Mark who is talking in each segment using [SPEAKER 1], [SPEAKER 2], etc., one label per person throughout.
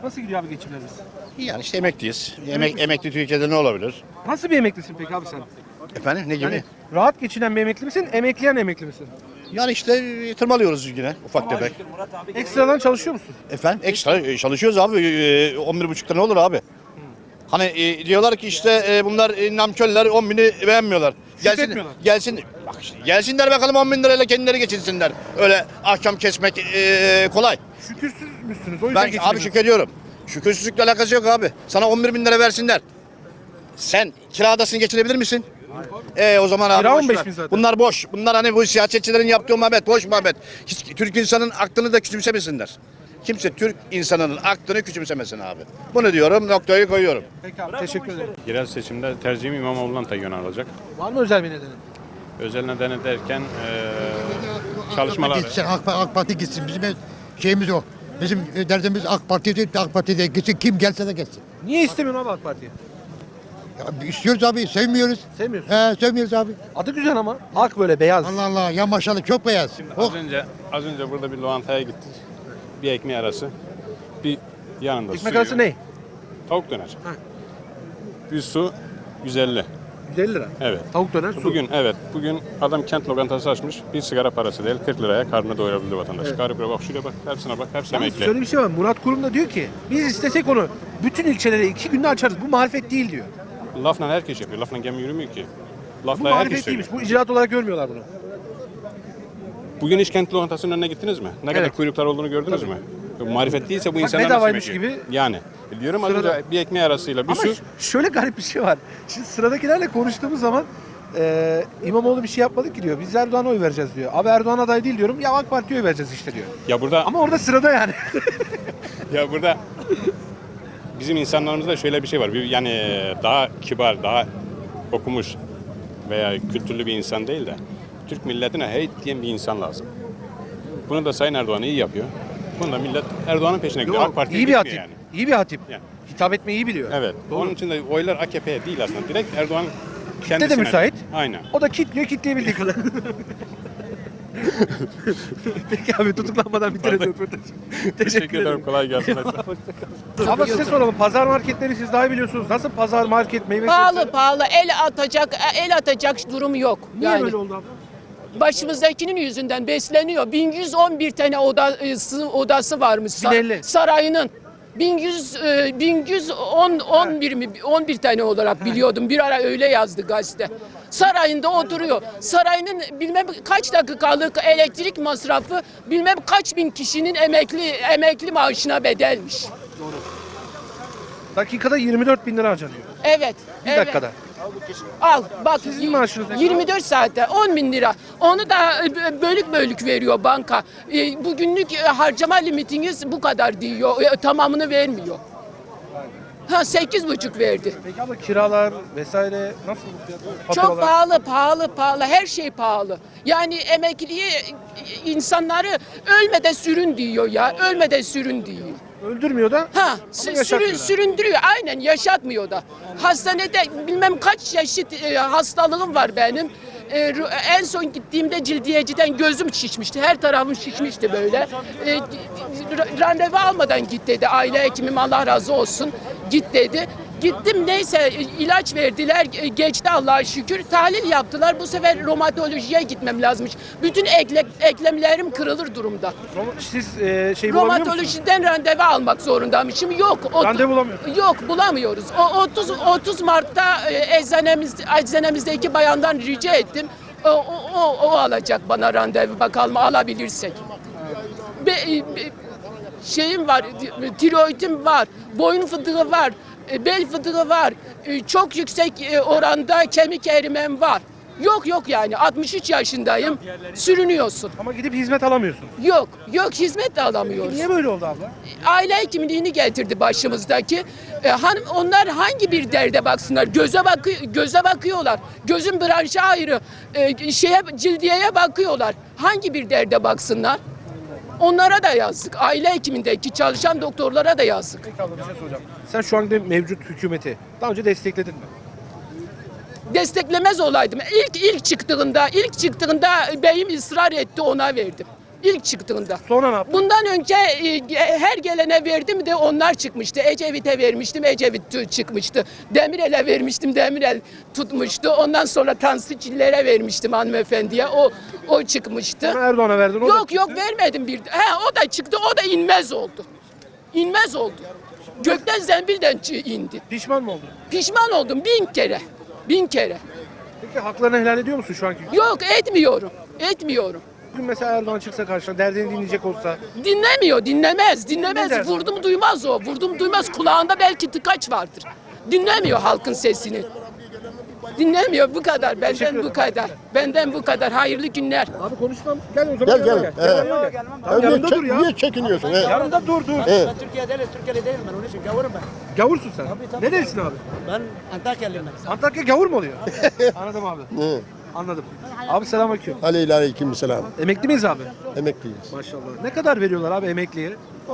[SPEAKER 1] Nasıl gidiyor abi geçimlerimiz?
[SPEAKER 2] Yani işte emekliyiz. Emekli Türkiye'de ne olabilir?
[SPEAKER 1] Nasıl bir emeklisin peki abi sen?
[SPEAKER 2] Efendim ne gibi?
[SPEAKER 1] Yani rahat geçinen bir emekli misin, emekleyen emekli misin?
[SPEAKER 2] Yani işte tırmalıyoruz yine ufak tefek.
[SPEAKER 1] Ekstradan çalışıyor musun?
[SPEAKER 2] Efendim ekstra çalışıyoruz abi. 11,5'ta ne olur abi? Hani diyorlar ki işte bunlar namköller 10 bini beğenmiyorlar.
[SPEAKER 1] Şükretmiyorlar.
[SPEAKER 2] Gelsin, bak işte, gelsinler bakalım 10 bin lirayla kendileri geçinsinler. Öyle ahkam kesmek kolay.
[SPEAKER 1] Şükürsüz müsünüz? O yüzden
[SPEAKER 2] Ben abi
[SPEAKER 1] geçinemiyorsunuz.
[SPEAKER 2] şükrediyorum. Şükürsüzlükle alakası yok abi. Sana 11 bin lira versinler. Sen kiradasını geçirebilir misin? O zaman abi
[SPEAKER 1] Kira
[SPEAKER 2] boş
[SPEAKER 1] 15
[SPEAKER 2] ver.
[SPEAKER 1] bin zaten.
[SPEAKER 2] Bunlar boş. Bunlar hani bu siyasetçilerin yaptığı muhabbet, boş muhabbet. Hiç Türk insanın aklını da küçümsemesinler. Kimse Türk insanının aklını küçümsemesin abi. Bunu diyorum, noktayı koyuyorum.
[SPEAKER 1] Peki abi teşekkür ederim.
[SPEAKER 3] Yerel seçimde tercihim İmamoğlu'ndan da yönelecek.
[SPEAKER 1] Var mı özel bir nedeni?
[SPEAKER 3] Özel nedeni derken çalışmaları.
[SPEAKER 4] Gitsin, AK Parti gitsin. Bizim şeyimiz o. Bizim derdimiz AK Parti değil, AK Parti değil. Gitsin, kim gelse de gelsin.
[SPEAKER 1] Niye istemiyorsun abi AK Parti'yi?
[SPEAKER 4] Ya, istiyoruz abi, sevmiyoruz.
[SPEAKER 1] Sevmiyorsun.
[SPEAKER 4] Sevmiyoruz abi.
[SPEAKER 1] Adı güzel ama. Ak böyle beyaz.
[SPEAKER 4] Allah Allah, ya maşallah çok beyaz. Oh.
[SPEAKER 3] Az önce burada bir lokantaya gittik. Bir ekmeği arası. Bir yanında
[SPEAKER 1] Ekmek
[SPEAKER 3] suyu.
[SPEAKER 1] arası ne?
[SPEAKER 3] Tavuk döner. Bir su 150.
[SPEAKER 1] 150 lira.
[SPEAKER 3] Evet.
[SPEAKER 1] Tavuk döner su.
[SPEAKER 3] Bugün adam kent lokantası açmış. Bir sigara parası değil 40 liraya karnını doyurabilir vatandaş. Garip bak şuraya bak, hepsine bak, hepsi
[SPEAKER 1] Yalnız
[SPEAKER 3] emekli.
[SPEAKER 1] şöyle bir şey var. Murat Kurum da diyor ki biz istesek onu bütün ilçelere 2 günde açarız. Bu marifet değil diyor.
[SPEAKER 3] Lafla herkes yapıyor. Lafla gemi yürümüyor ki.
[SPEAKER 1] Bu
[SPEAKER 3] Lafla herkes
[SPEAKER 1] marifet
[SPEAKER 3] söylüyor.
[SPEAKER 1] değilmiş. Bu icraat olarak görmüyorlar bunu.
[SPEAKER 3] Bugün hiç kent lokantasının önüne gittiniz mi? Ne kadar kuyruklar olduğunu gördünüz mü? Marifet değilse bu insanlar nasıl
[SPEAKER 1] bedavaymış
[SPEAKER 3] yemek yiyor?
[SPEAKER 1] gibi.
[SPEAKER 3] Yani. Diyorum az
[SPEAKER 1] Sırada-
[SPEAKER 3] önce bir ekmeği arasıyla bir
[SPEAKER 1] Ama
[SPEAKER 3] su.
[SPEAKER 1] şöyle garip bir şey var. Şimdi sıradakilerle konuştuğumuz zaman İmamoğlu bir şey yapmadı ki diyor. Biz Erdoğan'a oy vereceğiz diyor. Abi Erdoğan aday değil diyorum. Ya AK Parti'ye oy vereceğiz işte diyor.
[SPEAKER 3] Ya burada
[SPEAKER 1] Ama orada sırada yani.
[SPEAKER 3] ya burada bizim insanlarımızda şöyle bir şey var. Yani daha kibar, daha okumuş veya kültürlü bir insan değil de Türk milletine heyt diyen bir insan lazım. Bunu da Sayın Erdoğan iyi yapıyor. Bunu da millet Erdoğan'ın peşine gidiyor. AK Parti'ye
[SPEAKER 1] iyi bir
[SPEAKER 3] gitmiyor
[SPEAKER 1] hatip.
[SPEAKER 3] yani.
[SPEAKER 1] İyi bir hatip.
[SPEAKER 3] Yani.
[SPEAKER 1] Hitap etmeyi iyi biliyor.
[SPEAKER 3] Evet.
[SPEAKER 1] Doğru.
[SPEAKER 3] Onun için de oylar AKP'ye değil aslında. Direkt Erdoğan
[SPEAKER 1] Kitle
[SPEAKER 3] kendisine.
[SPEAKER 1] de müsait.
[SPEAKER 3] Aynen.
[SPEAKER 1] O da kitliyor, kitleyebildiği kadar. Peki abi tutuklanmadan bitirelim röportajı.
[SPEAKER 3] Teşekkür ederim. Kolay gelsin.
[SPEAKER 1] Ama size soralım. Pazar marketleri siz daha iyi biliyorsunuz. Nasıl pazar market meyve sebze?
[SPEAKER 5] Pahalı el atacak durum yok.
[SPEAKER 1] Niye
[SPEAKER 5] Yani
[SPEAKER 1] böyle oldu abla?
[SPEAKER 5] başımızdakinin yüzünden besleniyor. 1111 tane odası varmış
[SPEAKER 1] 1050.
[SPEAKER 5] sarayının. 1111 mi 11 tane olarak biliyordum. Bir ara öyle yazdı gazete. Sarayında oturuyor. Sarayının bilmem kaç dakikalık elektrik masrafı bilmem kaç bin kişinin emekli maaşına bedelmiş.
[SPEAKER 1] Dakikada 24 bin lira harcanıyor.
[SPEAKER 5] Evet.
[SPEAKER 1] Bir
[SPEAKER 5] evet.
[SPEAKER 1] dakikada.
[SPEAKER 5] Al bak
[SPEAKER 1] Sizin maaşınız ne kadar?
[SPEAKER 5] 24 saatte 10 bin lira. Onu da bölük veriyor banka. Bugünlük harcama limitiniz bu kadar diyor. Tamamını vermiyor. Ha 8,5 verdi.
[SPEAKER 1] Peki abla kiralar vesaire nasıl bu fiyatlar?
[SPEAKER 5] Çok pahalı. Her şey pahalı. Yani emekliye insanları ölmeden sürün diyor ya. Ölmeden sürün diyor.
[SPEAKER 1] Öldürmüyor da.
[SPEAKER 5] Ha,
[SPEAKER 1] yaşatmıyor da.
[SPEAKER 5] süründürüyor. Aynen yaşatmıyor da. Hastanede bilmem kaç çeşit hastalığım var benim. En son gittiğimde cildiyeciden gözüm şişmişti. Her tarafım şişmişti böyle. Randevu almadan git dedi. Aile hekimim Allah razı olsun. Git dedi. Gittim neyse ilaç verdiler. Geçti Allah'a şükür. Tahlil yaptılar. Bu sefer romatolojiye gitmem lazımmış. Bütün eklemlerim kırılır durumda.
[SPEAKER 1] Siz şey bulamıyor musunuz?
[SPEAKER 5] Romatolojiden randevu almak zorundaymışım. Yok.
[SPEAKER 1] Randevu bulamıyorsunuz.
[SPEAKER 5] Yok bulamıyoruz. 30 Mart'ta eczanemizdeki bayandan rica ettim. O alacak bana randevu bakalım alabilirsek. Şeyim var, tiroidim var, boyun fıtığı var, bel fıtığı var, çok yüksek oranda kemik erimem var. Yok yani 63 yaşındayım, sürünüyorsun.
[SPEAKER 1] Ama gidip hizmet alamıyorsun.
[SPEAKER 5] Yok hizmet de alamıyoruz.
[SPEAKER 1] Niye böyle oldu abla?
[SPEAKER 5] Aile hekimliğini getirdi başımızdaki. Onlar hangi bir derde baksınlar? Göze bakıyorlar. Gözün branşı ayrı. Cildiyeye bakıyorlar. Hangi bir derde baksınlar? Onlara da yazık. Aile hekimindeki çalışan doktorlara da yazık.
[SPEAKER 1] Peki abla bir şey soracağım. Sen şu anda mevcut hükümeti daha önce destekledin mi?
[SPEAKER 5] Desteklemez olaydım. İlk çıktığında beyim ısrar etti ona verdim. İlk çıktığında.
[SPEAKER 1] Sonra ne yaptın?
[SPEAKER 5] Bundan önce her gelene verdim de onlar çıkmıştı. Ecevit'e vermiştim, Ecevit çıkmıştı. Demirel'e vermiştim, Demirel tutmuştu. Ondan sonra Tansu Çiller'e vermiştim hanımefendiye. O çıkmıştı.
[SPEAKER 1] Sonra Erdoğan'a verdin. O da
[SPEAKER 5] Yok yok vermedim bir. O da çıktı, o da inmez oldu. İnmez oldu. Gökten zembilden indi.
[SPEAKER 1] pişman mı oldun?
[SPEAKER 5] Pişman oldum 1000 kere. 1000 kere.
[SPEAKER 1] Peki haklarını helal ediyor musun şu anki?
[SPEAKER 5] Yok etmiyorum. Etmiyorum.
[SPEAKER 1] Bugün mesela Erdoğan çıksa karşına derdini dinleyecek olsa
[SPEAKER 5] Dinlemiyor, dinlemez,
[SPEAKER 1] Ne
[SPEAKER 5] dinlemez.
[SPEAKER 1] dersin?
[SPEAKER 5] Vurdum duymaz o. Vurdum duymaz. Kulağında belki tıkaç vardır. Dinlemiyor halkın sesini. Dinlemiyor bu kadar. Benden bu kadar. Benden bu kadar. Hayırlı günler.
[SPEAKER 1] abi konuşmam. Gel o zaman.
[SPEAKER 4] Gel,
[SPEAKER 1] yanıma
[SPEAKER 4] gel.
[SPEAKER 1] Yanıma gel. Tamam, yanımda dur ya.
[SPEAKER 4] Niye çekiniyorsun? He?
[SPEAKER 1] Yanımda dur.
[SPEAKER 6] Ben Türkiye'li değilim ben onun için gavurum ben.
[SPEAKER 1] Gavursun sen.
[SPEAKER 6] tabii.
[SPEAKER 1] Nerelisin abi?
[SPEAKER 6] Ben Antakyalıyım ben.
[SPEAKER 1] Antakya gavur mu oluyor? Anladım abi. Anladım. Abi selamünaleyküm.
[SPEAKER 4] Aleyküm selam.
[SPEAKER 1] Emekli miyiz abi?
[SPEAKER 4] Emekliyiz.
[SPEAKER 1] Maşallah. Ne kadar veriyorlar abi emekliye?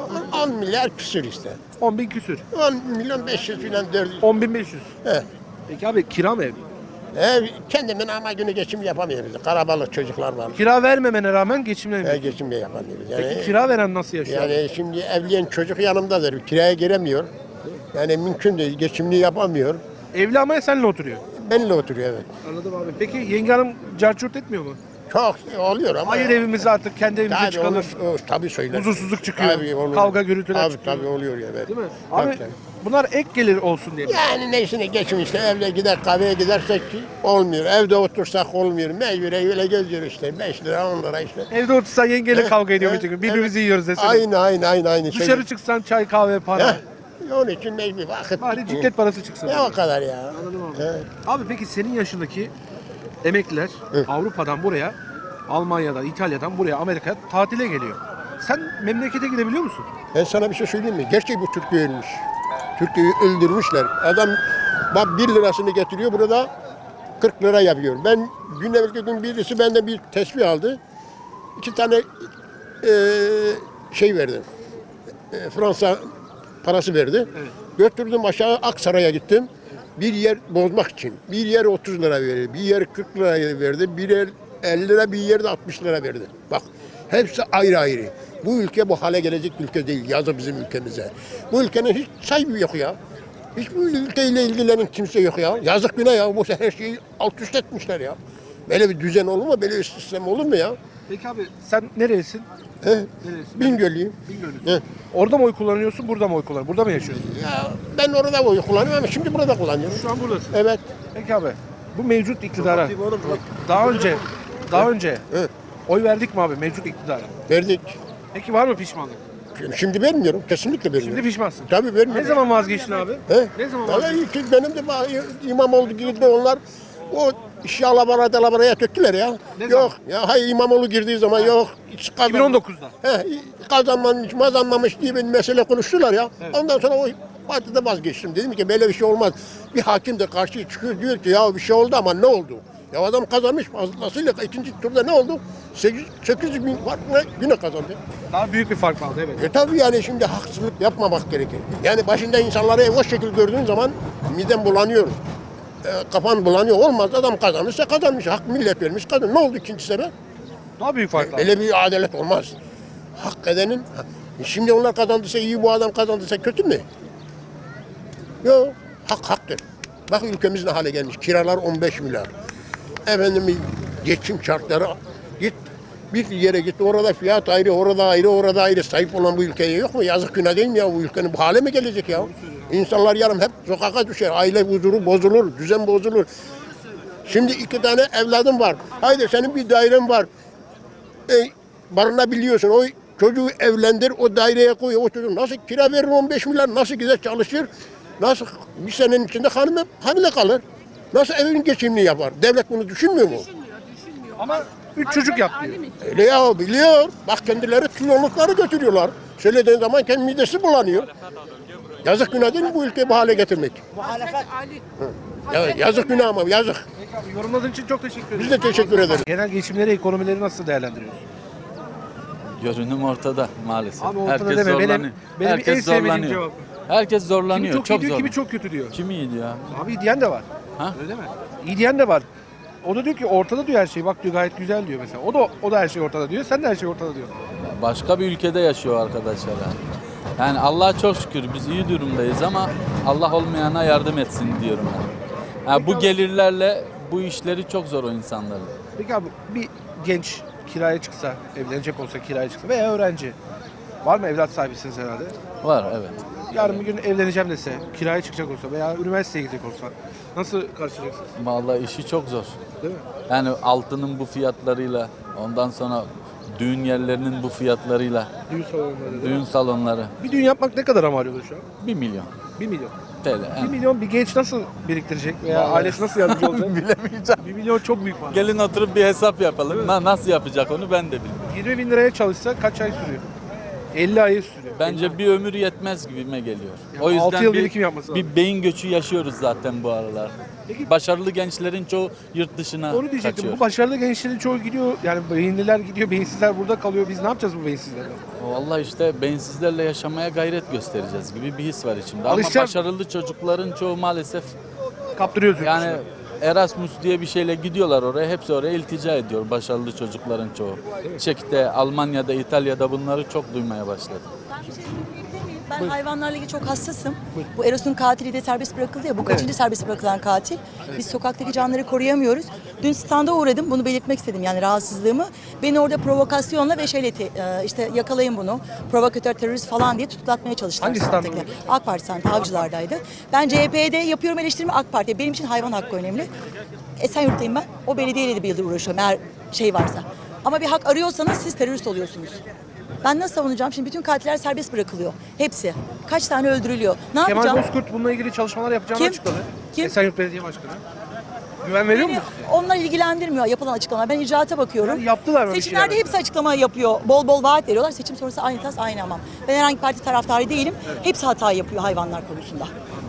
[SPEAKER 4] 10 milyar küsür işte.
[SPEAKER 1] 10 bin küsür.
[SPEAKER 4] 10 milyon 500 falan 400.
[SPEAKER 1] 10.500.
[SPEAKER 4] He.
[SPEAKER 1] Peki abi kira mı ev?
[SPEAKER 4] Ev kendimin ama günü geçim yapamıyoruz. Karabalık çocuklar var.
[SPEAKER 1] Kira vermemene rağmen geçimlemiyorsun.
[SPEAKER 4] Geçim de yapamıyoruz.
[SPEAKER 1] Peki
[SPEAKER 4] Yani,
[SPEAKER 1] kira veren nasıl yaşıyor?
[SPEAKER 4] yani şimdi evleyen çocuk yanımdadır. Kiraya giremiyor. Yani mümkün değil. Geçimini yapamıyor.
[SPEAKER 1] Evli ama seninle oturuyor.
[SPEAKER 4] Benimle oturuyor evet.
[SPEAKER 1] Anladım abi. Peki yenge hanım carçurt etmiyor mu?
[SPEAKER 4] Çok oluyor ama.
[SPEAKER 1] Hayır evimize artık kendi evimize
[SPEAKER 4] Tabii
[SPEAKER 1] çıkalım.
[SPEAKER 4] tabii söyler.
[SPEAKER 1] Huzursuzluk çıkıyor.
[SPEAKER 4] Tabii olur.
[SPEAKER 1] Kavga gürültüler
[SPEAKER 4] Tabii,
[SPEAKER 1] çıkıyor.
[SPEAKER 4] tabii oluyor evet.
[SPEAKER 1] Değil mi?
[SPEAKER 4] Tabii,
[SPEAKER 1] Abi
[SPEAKER 4] tabii.
[SPEAKER 1] bunlar ek gelir olsun diye.
[SPEAKER 4] Yani neyse geçim işte evle gider kahveye gidersek ki olmuyor. Evde otursak olmuyor. Mecbure öyle geziyor işte 5 lira 10 lira işte.
[SPEAKER 1] Evde otursan yengeyle kavga ediyor
[SPEAKER 4] Evet,
[SPEAKER 1] bütün gün. Birbirimizi yiyoruz desene.
[SPEAKER 4] Aynı.
[SPEAKER 1] Dışarı çıksan çay kahve para.
[SPEAKER 4] Onun için mecbur vakit
[SPEAKER 1] Bari
[SPEAKER 4] gitmiyor.
[SPEAKER 1] ciklet parası çıksın.
[SPEAKER 4] Ne o kadar ya.
[SPEAKER 1] Anladım abi.
[SPEAKER 4] He.
[SPEAKER 1] Abi peki senin yaşındaki emekliler Avrupa'dan buraya, Almanya'dan, İtalya'dan buraya, Amerika'ya tatile geliyor. Sen memlekete gidebiliyor musun?
[SPEAKER 4] Ben sana bir şey söyleyeyim mi? Gerçek bu Türkiye ölmüş. Türkiye'yi öldürmüşler. Adam bak 1 lirasını getiriyor burada 40 lira yapıyor. Ben gün evvelki gün birisi benden bir tesbih aldı. 2 tane şey verdi. Fransa parası verdi. Götürdüm aşağı Aksaray'a gittim. Bir yer bozmak için. Bir yer 30 lira verdi. Bir yer 40 lira verdi. Bir yer 50 lira, bir yer de 60 lira verdi. Bak hepsi ayrı ayrı. Bu ülke bu hale gelecek ülke değil. Yazı bizim ülkemize. Bu ülkenin hiç sahibi yok ya. Hiç bu ülkeyle ilgilenen kimse yok ya. Yazık günah ya. Bu her şeyi alt üst etmişler ya. Böyle bir düzen olur mu? Böyle bir sistem olur mu ya?
[SPEAKER 1] Peki abi sen nerelisin?
[SPEAKER 4] He?
[SPEAKER 1] Nerelisin?
[SPEAKER 4] Bingöllüyüm.
[SPEAKER 1] Bingöllüsün.
[SPEAKER 4] He.
[SPEAKER 1] Orada mı oy kullanıyorsun, burada mı oy kullanıyorsun? Burada mı yaşıyorsun?
[SPEAKER 4] Ya ben orada oy kullanıyorum ama şimdi burada kullanıyorum.
[SPEAKER 1] Şu an buradasın.
[SPEAKER 4] Evet.
[SPEAKER 1] Peki abi bu mevcut iktidara daha önce
[SPEAKER 4] Evet.
[SPEAKER 1] oy verdik mi abi mevcut iktidara?
[SPEAKER 4] Verdik.
[SPEAKER 1] Peki var mı pişmanlık?
[SPEAKER 4] Şimdi vermiyorum. Kesinlikle vermiyorum.
[SPEAKER 1] Şimdi pişmansın.
[SPEAKER 4] Tabii vermiyorum.
[SPEAKER 1] Ne zaman vazgeçtin abi?
[SPEAKER 4] He?
[SPEAKER 1] Ne zaman
[SPEAKER 4] Vallahi
[SPEAKER 1] vazgeçtin?
[SPEAKER 4] ki benim de İmamoğlu girdi onlar. O işi alabaraya töktüler ya.
[SPEAKER 1] Ne
[SPEAKER 4] Yok. Ya hayır İmamoğlu girdiği zaman yok. Hiç
[SPEAKER 1] 2019'da.
[SPEAKER 4] He, kazanmamış diye bir mesele konuştular ya. Ondan sonra o partide vazgeçtim. Dedim ki böyle bir şey olmaz. Bir hakim de karşıya çıkıyor diyor ki ya bir şey oldu ama ne oldu? Ya adam kazanmış fazlasıyla ikinci turda ne oldu? 800 bin farkla yine kazandı.
[SPEAKER 1] Daha büyük bir fark vardı evet.
[SPEAKER 4] Tabii yani şimdi haksızlık yapmamak gerekir. Yani başında insanları o şekilde gördüğün zaman miden bulanıyor. Kafan bulanıyor. Olmaz adam kazanırsa kazanmış. Hak millet vermiş kazanmış. Ne oldu ikinci sefer?
[SPEAKER 1] Daha büyük fark var.
[SPEAKER 4] Böyle bir adalet olmaz. Hak edenin... Şimdi onlar kazandıysa iyi, bu adam kazandıysa kötü mü? Yok. Hak haktır. Bak ülkemiz ne hale gelmiş. Kiralar 15 milyar. Efendim geçim şartları git. Bir yere git orada fiyat ayrı, orada ayrı, orada ayrı. Sahip olan bu ülkeye yok mu? Yazık günah değil mi ya? Bu ülkenin bu hale mi gelecek ya? İnsanlar yarın hep sokağa düşer. Aile huzuru bozulur, düzen bozulur. Şimdi 2 tane evladım var. Haydi senin bir dairen var. Barınabiliyorsun. O çocuğu evlendir, o daireye koy. O çocuk nasıl kira verir 15 milyar, nasıl gider çalışır? Nasıl bir senenin içinde hamile kalır? Nasıl evin geçimini yapar? Devlet bunu düşünmüyor mu?
[SPEAKER 1] Ama 3 çocuk yap diyor.
[SPEAKER 4] Öyle ya biliyor. Bak kendileri kilolukları götürüyorlar. Söylediğin zaman kendi midesi bulanıyor. Yazık günah değil mi bu ülkeyi bu hale getirmek? Ya, yazık günah ama yazık.
[SPEAKER 1] Peki abi yorumladığın için çok teşekkür ederim.
[SPEAKER 4] Biz de teşekkür ederiz.
[SPEAKER 1] Genel geçimleri, ekonomileri nasıl değerlendiriyorsun?
[SPEAKER 7] Görünüm ortada maalesef.
[SPEAKER 1] Abi ortada
[SPEAKER 7] Herkes
[SPEAKER 1] deme.
[SPEAKER 7] zorlanıyor.
[SPEAKER 1] Benim en
[SPEAKER 7] Herkes
[SPEAKER 1] sevmediğim
[SPEAKER 7] zorlanıyor.
[SPEAKER 1] cevap.
[SPEAKER 7] Herkes
[SPEAKER 1] Kimi
[SPEAKER 7] zorlanıyor.
[SPEAKER 1] çok,
[SPEAKER 7] Çok
[SPEAKER 1] iyi diyor,
[SPEAKER 7] zor.
[SPEAKER 1] kimi çok kötü diyor.
[SPEAKER 7] Kim iyi diyor?
[SPEAKER 1] Abi iyi diyen de var.
[SPEAKER 7] Ha?
[SPEAKER 1] Öyle mi? İyi diyen de var. O da diyor ki ortada diyor her şey. Bak diyor gayet güzel diyor mesela. O da her şey ortada diyor. Sen de her şey ortada diyor.
[SPEAKER 7] Başka bir ülkede yaşıyor arkadaşlar yani. Yani Allah'a çok şükür biz iyi durumdayız ama Allah olmayana yardım etsin diyorum ben. Yani bu gelirlerle bu işleri çok zor o insanların.
[SPEAKER 1] Peki abi bir genç kiraya çıksa, evlenecek olsa kiraya çıksa veya öğrenci. Var mı, evlat sahibisiniz herhalde?
[SPEAKER 7] Var evet.
[SPEAKER 1] Yarın bir gün evleneceğim dese, kiraya çıkacak olsa veya üniversiteye gidecek olsa nasıl karşılayacaksınız?
[SPEAKER 7] Vallahi işi çok zor.
[SPEAKER 1] Değil mi?
[SPEAKER 7] Yani altının bu fiyatlarıyla, ondan sonra düğün yerlerinin bu fiyatlarıyla,
[SPEAKER 1] Düğün salonları. değil mi?
[SPEAKER 7] düğün salonları
[SPEAKER 1] Bir düğün yapmak ne kadar ama arıyordu şu an?
[SPEAKER 7] 1 milyon
[SPEAKER 1] 1 milyon.
[SPEAKER 7] TL.
[SPEAKER 1] 1 milyon bir genç nasıl biriktirecek veya ailesi nasıl yardımcı olacak?
[SPEAKER 7] Bilemeyeceğim.
[SPEAKER 1] 1 milyon çok büyük para.
[SPEAKER 7] Gelin oturup bir hesap yapalım. Nasıl yapacak onu ben de bilmiyorum.
[SPEAKER 1] 20 bin liraya çalışsa kaç ay sürüyor? 50 ayı sürüyor.
[SPEAKER 7] Bence bir ömür yetmez gibime geliyor.
[SPEAKER 1] Yani
[SPEAKER 7] O yüzden
[SPEAKER 1] 6 yıl birikim yapması lazım.
[SPEAKER 7] bir beyin göçü yaşıyoruz zaten bu aralar.
[SPEAKER 1] Peki-
[SPEAKER 7] Başarılı gençlerin çoğu yurt dışına
[SPEAKER 1] Onu diyecektim.
[SPEAKER 7] kaçıyor.
[SPEAKER 1] Bu başarılı gençlerin çoğu gidiyor. Yani beyinliler gidiyor, beyinsizler burada kalıyor. Biz ne yapacağız bu beyinsizlerle?
[SPEAKER 7] Vallahi işte beyinsizlerle yaşamaya gayret göstereceğiz gibi bir his var içimde. Ama
[SPEAKER 1] Alışacağım.
[SPEAKER 7] başarılı çocukların çoğu maalesef
[SPEAKER 1] Kaptırıyoruz.
[SPEAKER 7] yani
[SPEAKER 1] yurt
[SPEAKER 7] Erasmus diye bir şeyle gidiyorlar oraya. Hepsi oraya iltica ediyor başarılı çocukların çoğu. Çek'te, Almanya'da, İtalya'da bunları çok duymaya başladım.
[SPEAKER 8] Ben bir şey söyleyebilir miyim? Ben hayvanlarla ilgili çok hassasım. Bu Eros'un katili de serbest bırakıldı ya. Bu kaçıncı serbest bırakılan katil? Biz sokaktaki canları koruyamıyoruz. Dün standa uğradım. Bunu belirtmek istedim yani rahatsızlığımı. Beni orada provokasyonla ve işte yakalayın bunu. Provokatör, terörist falan diye tutuklatmaya çalıştılar.
[SPEAKER 1] Hangi standa
[SPEAKER 8] sokaktakiler. AK Parti standı, Avcılar'daydı. Ben CHP'de yapıyorum eleştirimi, AK Parti'ye. Benim için hayvan hakkı önemli. Esenyurt'tayım ben. O belediyeyle de bir yıldır uğraşıyorum eğer şey varsa. Ama bir hak arıyorsanız siz terörist oluyorsunuz. Ben nasıl savunacağım? Şimdi bütün katiller serbest bırakılıyor. Hepsi. Kaç tane öldürülüyor? Ne
[SPEAKER 1] Kemal
[SPEAKER 8] yapacağım?
[SPEAKER 1] Bozkurt bununla ilgili çalışmalar yapacağını
[SPEAKER 8] Kim?
[SPEAKER 1] açıkladı.
[SPEAKER 8] Kim?
[SPEAKER 1] Esenyurt Belediye Başkanı. Güven veriyor
[SPEAKER 8] Beni,
[SPEAKER 1] musunuz?
[SPEAKER 8] onlar ilgilendirmiyor yapılan açıklamalar. Ben icraata bakıyorum.
[SPEAKER 1] Yani yaptılar mı bir
[SPEAKER 8] Seçimlerde
[SPEAKER 1] şeyler?
[SPEAKER 8] hepsi açıklama yapıyor. Bol bol vaat veriyorlar. Seçim sonrası aynı tas aynı hamam. Ben herhangi bir parti taraftarı değilim. Hepsi hata yapıyor hayvanlar konusunda.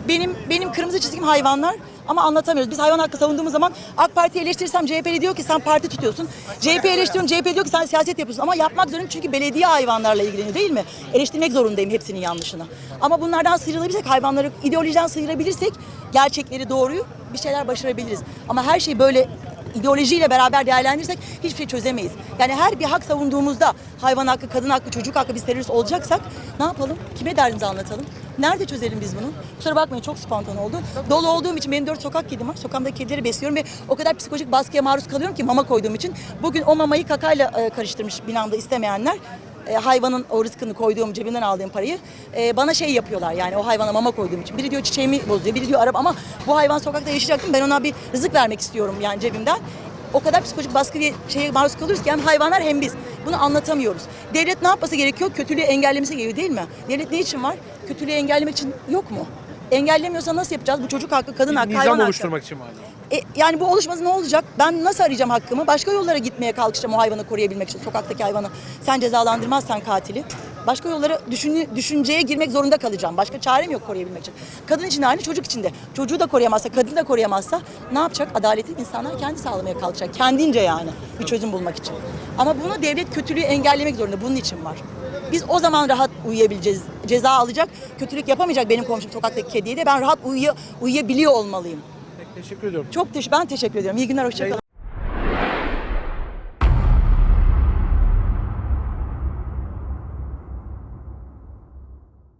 [SPEAKER 8] Benim kırmızı çizgim hayvanlar ama anlatamıyoruz. Biz hayvan hakkı savunduğumuz zaman AK Parti'yi eleştirirsem CHP'li diyor ki sen parti tutuyorsun. CHP eleştiriyorum, CHP diyor ki sen siyaset yapıyorsun. Ama yapmak zorundayım çünkü belediye hayvanlarla ilgileniyor değil mi? Eleştirmek zorundayım hepsinin yanlışını. Ama bunlardan sıyrılabilirsek, hayvanları ideolojiden sıyırabilirsek gerçekleri, doğruyu bir şeyler başarabiliriz. Ama her şeyi böyle ideolojiyle beraber değerlendirirsek hiçbir şey çözemeyiz. Yani her bir hak savunduğumuzda hayvan hakkı, kadın hakkı, çocuk hakkı biz terörist olacaksak ne yapalım? Kime derdimizi anlatalım? Nerede çözelim biz bunu? Kusura bakmayın çok spontan oldu. Dolu olduğum için benim 4 sokak kedim var. Sokağımdaki kedileri besliyorum ve o kadar psikolojik baskıya maruz kalıyorum ki mama koyduğum için. Bugün o mamayı kakayla karıştırmış binamda istemeyenler. Hayvanın o rızkını koyduğum, cebimden aldığım parayı bana şey yapıyorlar yani o hayvana mama koyduğum için. Biri diyor çiçeğimi bozuyor, biri diyor araba ama bu hayvan sokakta yaşayacak değil mi? Ben ona bir rızık vermek istiyorum yani cebimden. O kadar psikolojik baskı ve şeye maruz kalıyoruz ki hem hayvanlar hem biz. Bunu anlatamıyoruz. Devlet ne yapması gerekiyor? Kötülüğü engellemesi gerekiyor değil mi? Devlet ne için var? Kötülüğü engellemek için yok mu? Engellemiyorsa nasıl yapacağız? Bu çocuk hakkı, kadın hakkı, hayvan
[SPEAKER 1] Nizam
[SPEAKER 8] hakkı.
[SPEAKER 1] oluşturmak için vardı.
[SPEAKER 8] Yani bu oluşması ne olacak? Ben nasıl arayacağım hakkımı? Başka yollara gitmeye kalkışacağım o hayvanı koruyabilmek için. Sokaktaki hayvanı. Sen cezalandırmazsan katili. Başka yollara düşünceye girmek zorunda kalacağım. Başka çarem yok koruyabilmek için. Kadın için de aynı, çocuk için de. Çocuğu da koruyamazsa, kadını da koruyamazsa ne yapacak? Adaleti insanlar kendi sağlamaya kalkacak. Kendince yani bir çözüm bulmak için. Ama bunu devlet kötülüğü engellemek zorunda. Bunun için var. Biz o zaman rahat uyuyabileceğiz. Ceza alacak, kötülük yapamayacak benim komşum sokaktaki kediye de. Ben rahat uyuyabiliyor olmalıyım.
[SPEAKER 1] Teşekkür ediyorum.
[SPEAKER 8] Ben teşekkür ediyorum. İyi günler, hoşça kalın.